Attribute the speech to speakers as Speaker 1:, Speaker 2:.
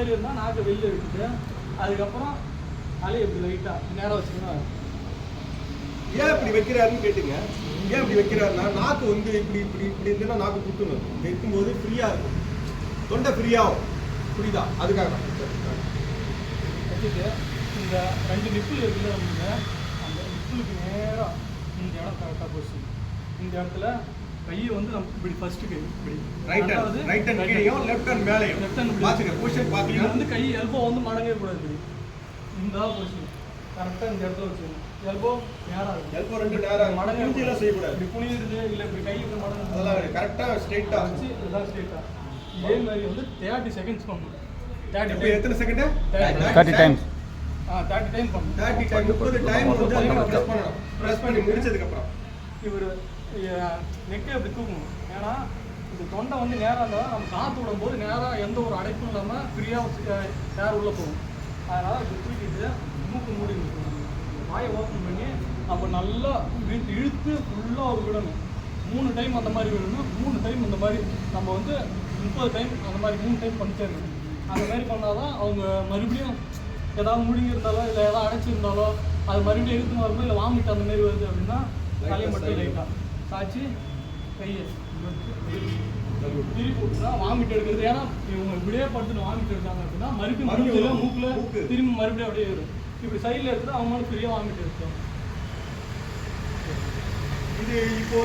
Speaker 1: மாதிரி இருந்தால் நாக்கு வெளியில் எடுத்துட்டு அதுக்கப்புறம் தலையை இப்படி லைட்டாக நேராக வச்சுக்கணும்.
Speaker 2: ஏன் இப்படி வைக்கிறாருன்னு கேட்டுங்க. ஏன் இப்படி வைக்கிறாருன்னா நாக்கு வந்து இப்படி இப்படி இப்படி இருந்துன்னா நாக்கு குத்துணும். வைக்கும்போது ஃப்ரீயாக இருக்கும், தொண்டை ஃப்ரீயாகும். புரியுதா? அதுக்காக
Speaker 1: வச்சுட்டு இந்த 2 நிப்பிள் இருக்குல்ல நமக்கு, அந்த நிப்பிளுக்கு நேராக இந்த இடம் கரெக்டாக போச்சு. இந்த இடத்துல கையை வந்து நம்ம இப்படி ஃபர்ஸ்ட்டு கை இப்படி
Speaker 2: ரைட் ஹேண்ட் கீழேயும் லெஃப்ட் ஹேண்ட் மேலேயும் பார்த்துக்க. பொசிஷன் பார்த்துக்க.
Speaker 1: வந்து கை எல்போ வந்து மடங்கவே கூடாது. இந்த பொசிஷன் கரெக்டாக இந்த இடத்துல வச்சுக்கணும். எல்போ நேராக இருக்கும்.
Speaker 2: எல்போ 2 நேராக
Speaker 1: மடங்கெல்லாம்
Speaker 2: செய்யக்கூடாது.
Speaker 1: இப்படி புனியுது இல்லை இப்படி கை இப்படி மடங்கு
Speaker 2: அதெல்லாம் கரெக்டாக ஸ்ட்ரெயிட்டாக
Speaker 1: வச்சு இதெல்லாம் ஸ்ட்ரெயிட்டாக. இதே மாதிரி வந்து 30 செகண்ட்ஸ் பண்ணணும்.
Speaker 2: 30 எத்தனை செகண்ட்?
Speaker 3: 30 டைம்ஸ்.
Speaker 1: 30 டைம் பண்ணணும்.
Speaker 2: 30 டைம் 30 டைம் வந்து நம்ம பிரஸ் பண்ணணும். பிரஸ் பண்ணி முடிச்சதுக்கு அப்புறம்
Speaker 1: இவர் நெக்கை அப்படி தூக்கணும். ஏன்னா இந்த தொண்டை வந்து நேராக இருந்தால் நம்ம காற்று விடும்போது நேராக எந்த ஒரு அடைப்பும் இல்லாமல் ஃப்ரீயாக ஏர் உள்ளே போகும். அதனால் இப்படி தூக்கிட்டு மூக்கு மூடி இருக்கணும். வாயை ஓப்பன் பண்ணி அப்போ நல்லா இழுத்து ஃபுல்லாக ஒரு விடணும். 3 டைம் அந்த மாதிரி விடணும். 3 டைம் அந்த மாதிரி நம்ம வந்து 30 டைம் அந்த மாதிரி 3 டைம் பண்ணிட்டேருக்கணும். அந்த மாதிரி பண்ணால் தான் அவங்க மறுபடியும் ஏதாவது முழுங்கி இருந்தாலோ இல்லை ஏதாவது அடைச்சிருந்தாலோ அது மறுபடியும் இழுத்து வரும்போது இல்லை வாமிட்டு அந்த மாதிரி வருது அப்படின்னா தலையை மட்டும் லைட்டாக சாய்ச்சி கையை திருப்பி விட்டுனா வாமிட் எடுக்கிறது. ஏன்னா இவங்க இப்படியே படுத்துட்டு வாமிட் எடுத்தாங்க அப்படின்னா மறுபடியும் மூக்கில் திரும்பி மறுபடியும் அப்படியே வரும். இப்படி சைடில் எடுத்துட்டு அவங்களும் ஃப்ரீயாக வாமிட் எடுத்தோம்.
Speaker 2: இது இப்போ